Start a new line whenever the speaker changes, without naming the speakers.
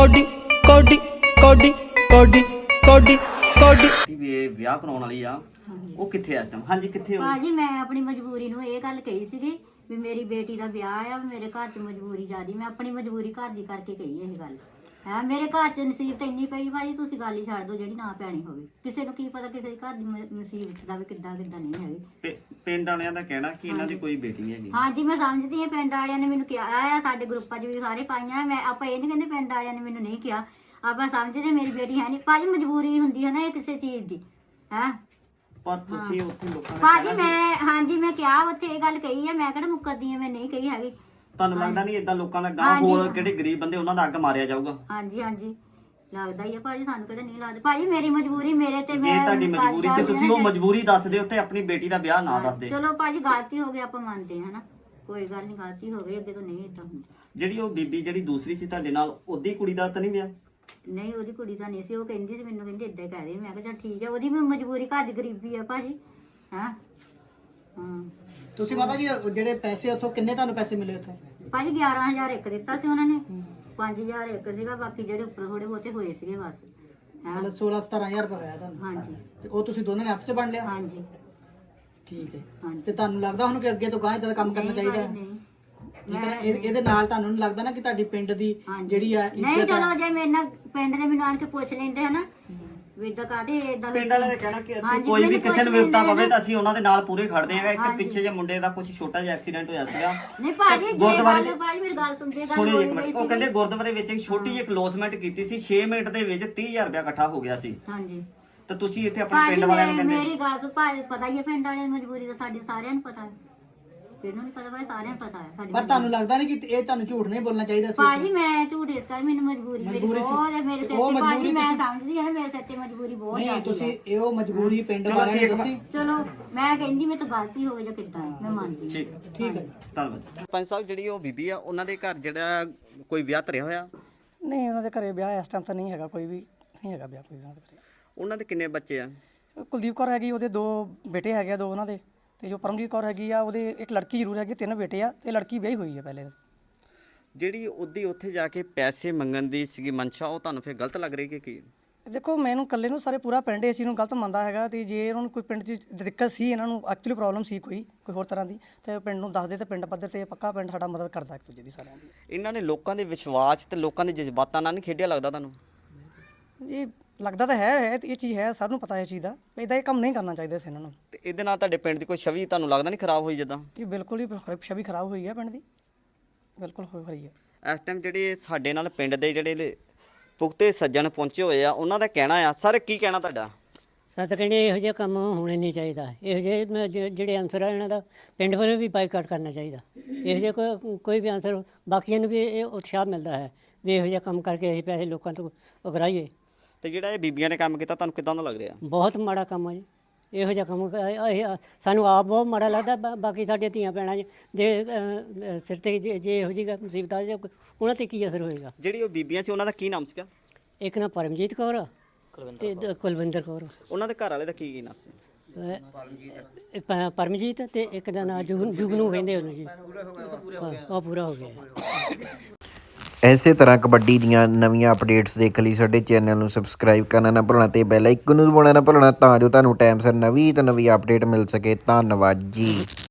Cody ਕੋਡੀ ਕੋਡੀ ਕੋਡੀ ਕੋਡੀ ਕੋਡੀ
ਵੀ ਇਹ ਵਿਆਹ ਕਰਾਉਣ ਵਾਲੀ ਆ ਉਹ ਕਿੱਥੇ ਆ ਇਸ ਟਾਈਮ? ਹਾਂਜੀ ਕਿੱਥੇ ਹੋ?
ਭਾਜੀ ਮੈਂ ਆਪਣੀ ਮਜਬੂਰੀ ਨੂੰ ਇਹ ਗੱਲ ਕਹੀ ਸੀਗੀ ਵੀ ਮੇਰੀ ਬੇਟੀ ਦਾ ਵਿਆਹ ਆ, ਮੇਰੇ ਘਰ 'ਚ ਮਜਬੂਰੀ ਜ਼ਿਆਦੀ, ਮੈਂ ਆਪਣੀ ਮਜਬੂਰੀ ਘਰ ਦੀ ਕਰਕੇ ਕਹੀ ਇਹ ਗੱਲ ਹੈ। ਮੇਰੇ ਘਰ 'ਚ ਨਸੀਬਤ ਇੰਨੀ ਪਈ ਭਾਜੀ, ਤੁਸੀਂ ਗੱਲ ਹੀ ਛੱਡ ਦਿਓ ਜਿਹੜੀ ਨਾ ਪੈਣੀ ਹੋਵੇ। ਕਿਸੇ ਨੂੰ ਕੀ ਪਤਾ ਕਿਸੇ ਦੇ ਘਰ ਦੀ ਨਸੀਬਤ ਦਾ ਵੀ ਕਿੱਦਾਂ ਨਹੀਂ ਹੈਗੀ।
ਪਿੰਡ ਵਾਲਿਆਂ ਦਾ ਕਹਿਣਾ ਕਿ ਇਹਨਾਂ ਦੀ ਕੋਈ ਬੇਟੀ ਨਹੀਂ ਹੈਗੀ।
ਹਾਂਜੀ ਮੈਂ ਸਮਝਦੀ ਹਾਂ, ਪਿੰਡ ਵਾਲਿਆਂ ਨੇ ਮੈਨੂੰ ਕਿਹਾ ਆ, ਸਾਡੇ ਗਰੁੱਪਾਂ 'ਚ ਵੀ ਸਾਰੇ ਪਾਈਆਂ। ਮੈਂ ਆਪਾਂ ਇਹ ਨਹੀਂ ਕਹਿੰਦੇ ਪਿੰਡ ਵਾਲਿਆਂ ਨੇ ਮੈਨੂੰ ਨਹੀਂ ਕਿਹਾ, ਆਪਾਂ ਸਮਝਦੇ ਮੇਰੀ ਬੇਟੀ ਹੈ ਨਹੀਂ। ਭਾਜੀ ਮਜਬੂਰੀ ਹੁੰਦੀ ਹੈ ਨਾ ਇਹ ਕਿਸੇ ਚੀਜ਼ ਦੀ ਹੈ।
ਪਰ ਤੁਸੀਂ ਉੱਥੇ ਲੋਕਾਂ ਨੇ
ਭਾਜੀ ਮੈਂ ਕਿਹਾ ਉੱਥੇ ਇਹ ਗੱਲ ਕਹੀ ਹੈ, ਮੈਂ ਕਿਹੜਾ ਮੁੱਕਰਦੀ ਹਾਂ, ਮੈਂ ਨਹੀਂ ਕਹੀ ਹੈਗੀ।
ਤੁਹਾਨੂੰ ਲੱਗਦਾ ਨਹੀਂ ਇਦਾਂ ਲੋਕਾਂ ਦਾ ਗਾਂ ਹੋਰ ਜਿਹੜੇ ਗਰੀਬ ਬੰਦੇ ਉਹਨਾਂ ਦਾ ਅੱਗ ਮਾਰਿਆ ਜਾਊਗਾ?
ਹਾਂਜੀ ਲੱਗਦਾ ਹੀ ਆ ਭਾਜੀ, ਸਾਨੂੰ ਕਿਹੜਾ ਨਹੀਂ ਲੱਗਦਾ। ਭਾਜੀ ਮੇਰੀ ਮਜਬੂਰੀ ਮੇਰੇ ਤੇ,
ਜੇ
ਮੈਂ
ਤੁਹਾਡੀ ਮਜਬੂਰੀ ਸੀ ਤੁਸੀਂ ਉਹ ਮਜਬੂਰੀ ਦੱਸ ਦਿਓ ਤੇ ਆਪਣੀ ਬੇਟੀ ਦਾ ਵਿਆਹ ਨਾ ਦੱਸਦੇ।
ਚਲੋ ਭਾਜੀ ਗਲਤੀ ਹੋ ਗਈ, ਆਪਾਂ ਮੰਨਦੇ ਹਾਂ ਨਾ, ਕੋਈ ਗੱਲ ਨਹੀਂ, ਗਲਤੀ ਹੋ ਗਈ, ਅੱਗੇ ਤੋਂ ਨਹੀਂ ਏਦਾਂ ਹੁੰਦਾ।
ਜਿਹੜੀ ਉਹ ਬੀਬੀ ਜਿਹੜੀ ਦੂਸਰੀ ਸੀ ਤੁਹਾਡੇ ਨਾਲ, ਉਹਦੀ ਕੁੜੀ ਦਾ ਤਾਂ ਨਹੀਂ ਵਿਆਹ?
ਨਹੀਂ ਉਹਦੀ ਕੁੜੀ ਤਾਂ ਨਹੀਂ ਸੀ, ਉਹ ਕਹਿੰਦੀ ਸੀ ਮੈਨੂੰ, ਕਹਿੰਦੀ ਏਦਾਂ ਕਹਿ ਰਹੀ। ਮੈਂ ਕਿਹਾ ਚੱਲ ਠੀਕ ਹੈ, ਉਹਦੀ ਵੀ ਮਜਬੂਰੀ, ਘਰ ਦੀ ਗਰੀਬੀ ਆ ਭਾਜੀ। ਹਾਂ
ਤੁਸੀਂ ਮਾਤਾ ਜੀ ਜਿਹੜੇ ਪੈਸੇ ਉੱਥੋਂ ਕਿੰਨੇ ਤੁਹਾਨੂੰ ਪੈਸੇ ਮਿਲੇ ਉੱਥੋਂ?
ਭਾਜੀ 11,000 ਇੱਕ ਦਿੱਤਾ ਸੀ ਉਹਨਾਂ ਨੇ, 5,000 ਇੱਕ ਸੀਗਾ, ਬਾਕੀ ਜਿਹੜੇ ਉੱਪਰ ਥੋੜੇ ਬਹੁਤੇ ਹੋਏ ਸੀਗੇ ਬਸ।
ਮਤਲਬ 16-17,000 ਰੁਪਏ ਆਇਆ ਤੁਹਾਨੂੰ?
ਹਾਂਜੀ
ਤੇ ਉਹ ਤੁਸੀਂ ਦੋਨਾਂ ਨੇ ਆਪਸੇ ਵੰਡ ਲਿਆ?
ਹਾਂਜੀ
ਠੀਕ ਹੈ।
ਹਾਂਜੀ।
ਤੇ ਤੁਹਾਨੂੰ ਲੱਗਦਾ ਹੁਣ ਕਿ ਅੱਗੇ ਤੋਂ ਗਾਂ ਇਦਾਂ ਦਾ ਕੰਮ ਕਰਨਾ ਚਾਹੀਦਾ ਹੈ?
ਨਹੀਂ
ਠੀਕ ਹੈ ਨਾ? ਇਹਦੇ ਨਾਲ ਤੁਹਾਨੂੰ ਨਹੀਂ ਲੱਗਦਾ ਨਾ ਕਿ ਤੁਹਾਡੀ ਪਿੰਡ ਦੀ ਜਿਹੜੀ ਆ
ਨਹੀਂ,
ਇੱਜ਼ਤ
ਚਲੋ ਜੇ ਮੇਰੇ ਨਾਲ ਪਿੰਡ ਦੇ ਮੈਨੂੰ ਆਣ ਕੇ ਪੁੱਛ ਲੈਂਦੇ ਹਨਾ ਵੀ ਇਦਾਂ ਕਾਹਦੇ ਇਦਾਂ।
ਪਿੰਡ ਵਾਲਿਆਂ ਨੇ ਕਹਿਣਾ ਕਿ ਕੋਈ ਵੀ ਕਿਸੇ ਨੂੰ ਵਿਪਤਾ ਪਵੇ ਤਾਂ ਅਸੀਂ ਉਹਨਾਂ ਦੇ ਨਾਲ ਪੂਰੇ ਖੜਦੇ ਆਂਗੇ। ਇੱਕ ਪਿੱਛੇ ਜੇ ਮੁੰਡੇ ਦਾ ਕੁਝ ਛੋਟਾ ਜਿਹਾ ਐਕਸੀਡੈਂਟ ਹੋਇਆ ਸੀਗਾ
ਨਹੀਂ ਭਾਜੀ,
ਗੁਰਦੁਆਰੇ
ਭਾਜੀ ਮੇਰੀ ਗੱਲ ਸੁਣਦੇ ਗੱਲ
ਸੁਣਿਓ ਇੱਕ
ਹੋਈ
ਮਿੰਟ। ਉਹ ਕਹਿੰਦੇ ਗੁਰਦੁਆਰੇ ਵਿੱਚ ਇੱਕ ਛੋਟੀ ਜਿਹੀ ਕਲੋਜ਼ਮੈਂਟ ਕੀਤੀ ਸੀ, 6 ਮਿੰਟ ਦੇ ਵਿੱਚ 30,000 ਰੁਪਇਆ ਇਕੱਠਾ ਹੋ ਗਿਆ ਸੀ।
ਹਾਂਜੀ
ਤਾਂ ਤੁਸੀਂ ਇੱਥੇ ਆਪਣੇ
ਭਾਜੀ
ਪਿੰਡ ਵਾਲਿਆਂ ਨੂੰ ਕਹਿੰਦੇ?
ਮੇਰੀ ਗੱਲ ਸੁਣ ਭਾਜੀ, ਪਤਾ ਹੀ ਹੈ ਪਿੰਡ ਵਾਲਿਆਂ ਦੀ ਮਜਬੂਰੀ ਦਾ, ਸਾਡੇ ਸਾਰਿਆਂ ਨੂੰ ਪਤਾ ਹੈ, ਕਿਹਨੂੰ ਨਹੀਂ ਪਤਾ ਭਾਈ, ਸਾਰਿਆਂ ਨੂੰ ਪਤਾ ਹੈ ਸਾਡੀ।
ਪਰ ਤੁਹਾਨੂੰ ਲੱਗਦਾ ਨਹੀਂ ਕਿ ਇਹ ਤੁਹਾਨੂੰ ਝੂਠ ਨਹੀਂ ਬੋਲਣਾ ਚਾਹੀਦਾ ਸੀ?
ਭਾਜੀ ਮੈਂ ਝੂਠ ਇਸ ਕਰ, ਮੈਨੂੰ ਮਜਬੂਰੀ ਮੇਰੀ ਬਹੁਤ ਹੈ, ਮੇਰੇ ਸਿਰ ਤੇ ਭਾਜੀ ਮੈਂ ਸਮਝਦੀ ਹਾਂ ਮੇਰੇ ਸਿਰ ਤੇ ਮਜਬੂਰੀ ਬਹੁਤ ਹੈ।
ਨਹੀਂ ਤੁਸੀਂ ਇਹ ਮਜਬੂਰੀ ਪਿੰਡ ਵਾਲਿਆਂ ਨੇ ਦੱਸੀ?
ਚਲੋ ਮੈਂ ਕਹਿੰਦੀ ਮੇਰੇ ਤੋਂ ਗਲਤੀ ਹੋ ਗਈ ਜਾਂ ਕਿੱਦਾਂ, ਮੈਂ ਮੰਨਦੀ ਹਾਂ।
ਠੀਕ ਹੈ
ਧੰਨਵਾਦ। ਪੰਜ ਸਾਹਿਬ ਜਿਹੜੀ ਉਹ ਬੀਬੀ ਆ ਉਹਨਾਂ ਦੇ ਘਰ ਜਿਹੜਾ ਕੋਈ ਵਿਆਹ ਧਰਿਆ ਹੋਇਆ?
ਨਹੀਂ ਉਹਨਾਂ ਦੇ ਘਰੇ ਵਿਆਹ ਇਸ ਟਾਈਮ ਤਾਂ ਨਹੀਂ ਹੈਗਾ, ਕੋਈ ਵੀ ਨਹੀਂ ਹੈਗਾ ਵਿਆਹ ਕੋਈ ਉਹਨਾਂ ਦੇ ਘਰੇ।
ਉਹਨਾਂ ਦੇ ਕਿੰਨੇ ਬੱਚੇ ਆ?
ਕੁਲਦੀਪ ਕੌਰ ਹੈਗੀ, ਉਹਦੇ 2 ਬੇਟੇ ਹੈਗੇ ਆ, 2 ਉਹਨਾਂ ਦੇ। ਤੇ ਜੋ ਪਰਮਜੀਤ ਕੌਰ ਹੈਗੀ ਆ, ਉਹਦੇ ਇੱਕ ਲੜਕੀ ਜ਼ਰੂਰ ਹੈਗੀ, 3 ਬੇਟੇ ਆ, ਤੇ ਲੜਕੀ ਵਿਆਹੀ ਹੋਈ ਹੈ ਪਹਿਲੇ।
ਜਿਹੜੀ ਉਹਦੀ ਉੱਥੇ ਜਾ ਕੇ ਪੈਸੇ ਮੰਗਣ ਦੀ ਸੀਗੀ ਮਨਸ਼ਾ, ਉਹ ਤੁਹਾਨੂੰ ਫਿਰ ਗਲਤ ਲੱਗ ਰਹੀ ਕਿ ਕੀ?
ਦੇਖੋ ਮੈਨੂੰ ਇਕੱਲੇ ਨੂੰ ਸਾਰੇ ਪੂਰਾ ਪਿੰਡ ਇਸ ਚੀਜ਼ ਨੂੰ ਗਲਤ ਮੰਨਦਾ ਹੈਗਾ। ਤੇ ਜੇ ਉਹਨਾਂ ਨੂੰ ਕੋਈ ਪਿੰਡ 'ਚ ਦਿੱਕਤ ਸੀ, ਇਹਨਾਂ ਨੂੰ ਐਕਚੁਅਲੀ ਪ੍ਰੋਬਲਮ ਸੀ ਕੋਈ ਹੋਰ ਤਰ੍ਹਾਂ ਦੀ, ਤੇ ਪਿੰਡ ਨੂੰ ਦੱਸਦੇ ਤੇ ਪਿੰਡ ਪੱਧਰ ਤੇ ਪੱਕਾ ਪਿੰਡ ਸਾਡਾ ਮਦਦ ਕਰਦਾ ਇੱਕ ਦੂਜੇ ਦੀ ਸਾਰਿਆਂ ਦੀ।
ਇਹਨਾਂ ਨੇ ਲੋਕਾਂ ਦੇ ਵਿਸ਼ਵਾਸ ਤੇ ਲੋਕਾਂ ਦੇ ਜਜ਼ਬਾਤਾਂ ਨਾਲ ਨਹੀਂ ਖੇਡਿਆ ਲੱਗਦਾ ਤੁਹਾਨੂੰ?
ਇਹ ਲੱਗਦਾ ਤਾਂ ਹੈ ਇਹ ਚੀਜ਼ ਹੈ, ਸਭ ਨੂੰ ਪਤਾ ਹੈ ਇਸ ਚੀਜ਼ ਦਾ, ਇਦਾਂ ਇਹ ਕੰਮ ਨਹੀਂ ਕਰਨਾ ਚਾਹੀਦਾ ਸੀ ਇਹਨਾਂ ਨੂੰ।
ਤੇ ਇਹਦੇ ਨਾਲ ਤੁਹਾਡੇ ਪਿੰਡ ਦੀ ਕੋਈ ਛਵੀ ਤੁਹਾਨੂੰ ਲੱਗਦਾ ਨਹੀਂ ਖਰਾਬ ਹੋਈ? ਜਿੱਦਾਂ
ਕਿ ਬਿਲਕੁਲ ਹੀ ਛਵੀ ਖਰਾਬ ਹੋਈ ਹੈ ਪਿੰਡ ਦੀ, ਬਿਲਕੁਲ ਹੋ ਰਹੀ ਹੈ।
ਇਸ ਟਾਈਮ ਜਿਹੜੇ ਸਾਡੇ ਨਾਲ ਪਿੰਡ ਦੇ ਜਿਹੜੇ ਪੁਖਤੇ ਸੱਜਣ ਪਹੁੰਚੇ ਹੋਏ ਆ, ਉਹਨਾਂ ਦਾ ਕਹਿਣਾ ਆ, ਸਰ ਕੀ ਕਹਿਣਾ ਤੁਹਾਡਾ?
ਤਾਂ ਕਹਿੰਦੇ ਇਹੋ ਜਿਹੇ ਕੰਮ ਹੋਣੇ ਨਹੀਂ ਚਾਹੀਦਾ, ਇਹੋ ਜਿਹੇ ਜਿਹੜੇ ਆਨਸਰ ਆ ਇਹਨਾਂ ਦਾ ਪਿੰਡ ਵੱਲੋਂ ਵੀ ਬਾਈਕਾਟ ਕਰਨਾ ਚਾਹੀਦਾ। ਇਹੋ ਜਿਹੇ ਕੋਈ ਵੀ ਆਨਸਰ, ਬਾਕੀਆਂ ਨੂੰ ਵੀ ਇਹ ਉਤਸ਼ਾਹ ਮਿਲਦਾ ਹੈ ਵੀ ਇਹੋ ਜਿਹਾ ਕੰਮ ਕਰਕੇ ਅਸੀਂ ਪੈਸੇ ਲੋਕਾਂ ਤੋਂ ਉਗਰਾਈਏ।
ਤੇ ਜਿਹੜਾ ਇਹ ਬੀਬੀਆਂ ਨੇ ਕੰਮ ਕੀਤਾ ਤੁਹਾਨੂੰ ਕਿੱਦਾਂ ਦਾ ਲੱਗ ਰਿਹਾ?
ਬਹੁਤ ਮਾੜਾ ਕੰਮ ਆ ਜੀ, ਇਹੋ ਜਿਹਾ ਕੰਮ ਸਾਨੂੰ ਆਪ ਬਹੁਤ ਮਾੜਾ ਲੱਗਦਾ। ਬਾਕੀ ਸਾਡੀਆਂ ਧੀਆਂ ਭੈਣਾਂ ਦੇ ਸਿਰ 'ਤੇ ਜੇ ਇਹੋ ਜਿਹੀ ਮੁਸੀਬਤ ਆ ਜਾਏ, ਉਹਨਾਂ 'ਤੇ ਕੀ ਅਸਰ ਹੋਏਗਾ?
ਜਿਹੜੀ ਉਹ ਬੀਬੀਆਂ ਸੀ ਉਹਨਾਂ ਦਾ ਕੀ ਨਾਮ ਸੀਗਾ?
ਇੱਕ ਨਾ ਪਰਮਜੀਤ ਕੌਰ ਤੇ ਕੁਲਵਿੰਦਰ ਕੌਰ।
ਉਹਨਾਂ ਦੇ ਘਰ ਵਾਲੇ ਦਾ ਕੀ ਨਾਮ ਸੀ?
ਪਰਮਜੀਤ ਤੇ ਇੱਕ ਦਾ ਨਾਂ ਜੁਗਨੂ ਕਹਿੰਦੇ ਉਹਨੂੰ ਜੀ। ਉਹ ਪੂਰਾ ਹੋ ਗਿਆ।
ਇਸੇ ਤਰ੍ਹਾਂ ਕਬੱਡੀ ਦੀਆਂ ਨਵੀਆਂ ਅਪਡੇਟਸ ਦੇਖਣ ਲਈ ਸਾਡੇ ਚੈਨਲ ਨੂੰ ਸਬਸਕ੍ਰਾਈਬ ਕਰਨਾ ਨਾ ਭੁੱਲਣਾ ਤੇ ਬੈਲ ਆਈਕਨ ਨੂੰ ਦਬਾਉਣਾ ਨਾ ਭੁੱਲਣਾ, ਤਾਂ ਜੋ ਤੁਹਾਨੂੰ ਟਾਈਮ ਸਿਰ ਨਵੀਂ ਤੋਂ ਨਵੀਂ ਅਪਡੇਟ ਮਿਲ ਸਕੇ। ਧੰਨਵਾਦ ਜੀ।